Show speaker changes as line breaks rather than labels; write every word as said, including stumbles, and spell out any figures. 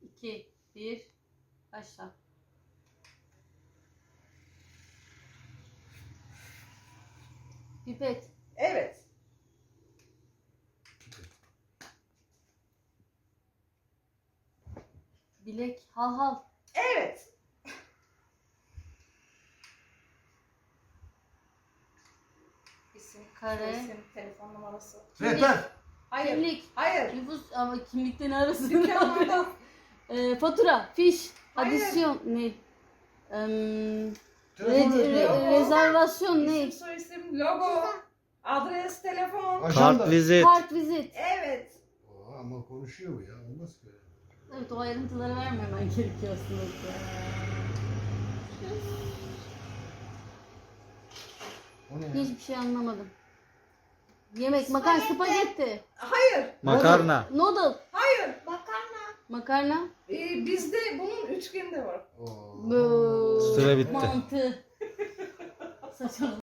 iki, bir, başla. Pipet.
Evet.
Bilek. Hal hal.
Evet. İsim,
Kare.
isim, telefon numarası.
Rehber.
Hayır.
Kimlik.
Hayır.
Nüfus ama kimlikten arasın.
Dükkanlarda.
e, fatura. Fiş.
Hayır.
Adisyon. Ne? Eee
Telefon
re- re-
rehberi.
rezervasyon ne?
İsim, soyisim, logo, adres, telefon.
Ajanda.
Kart vizit.
Kart vizit.
Evet.
Aa, ama konuşuyor bu ya. Olmaz ki.
Evet, o ayrıntıları vermemen gerekiyor aslında.
O ne ya?
Hiçbir şey anlamadım. Yemek, makarna, spagetti,
Hayır.
Makarna.
noodle,
Hayır. Makarna.
makarna,
Ee, bizde bunun üçgeni de var.
Oo.
bu
Süre bitti.
mantı. Saçma.